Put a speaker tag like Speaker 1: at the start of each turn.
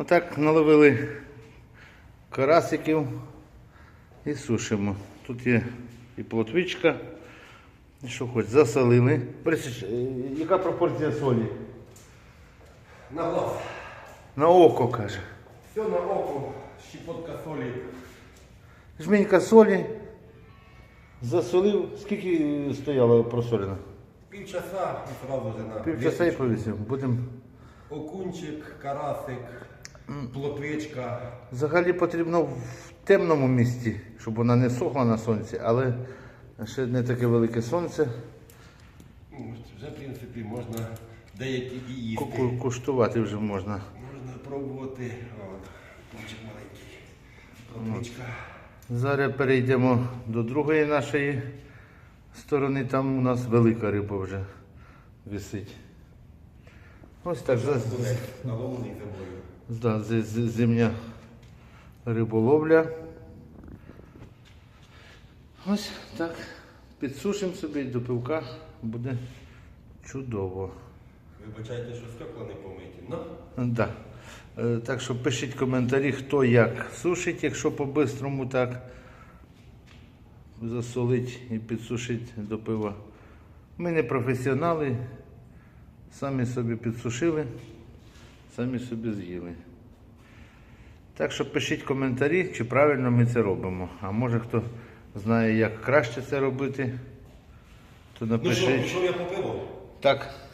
Speaker 1: Отак наловили карасиків і сушимо. Тут є і плотвичка, і що хоч, засолили. Борисич, яка пропорція солі?
Speaker 2: На глаз.
Speaker 1: На око, каже.
Speaker 2: Все на око, щепотка солі.
Speaker 1: Жменька солі, засолив. Скільки стояло просолено?
Speaker 2: Півчаса і одразу вже на
Speaker 1: Півчаса і
Speaker 2: вісочку.
Speaker 1: повісив. Будемо.
Speaker 2: Окунчик, карасик, плотвичка.
Speaker 1: Взагалі потрібно в темному місці, щоб вона не сохла на сонці, але ще не таке велике сонце.
Speaker 2: Ну, вже, в принципі, можна деякі і їсти.
Speaker 1: Куштувати вже можна.
Speaker 2: Можна пробувати. От, окунчик маленький. Плотвичка.
Speaker 1: Зараз перейдемо до другої нашої сторони. Там у нас велика риба вже висить. Ось так.
Speaker 2: Наловлений землею.
Speaker 1: Да, зимня риболовля. Ось так. Підсушимо собі до пивка, буде чудово.
Speaker 2: Вибачайте, що стекла не помиті. Ну?
Speaker 1: Да. Так що пишіть коментарі, хто як сушить, якщо по-бистрому так засолить і підсушить до пива. Ми не професіонали, самі собі підсушили, самі собі з'їли. Так що пишіть коментарі, чи правильно ми це робимо. А може хто знає, як краще це робити, то
Speaker 2: Ну що,
Speaker 1: напишіть.
Speaker 2: пішов я по пиво?
Speaker 1: Так.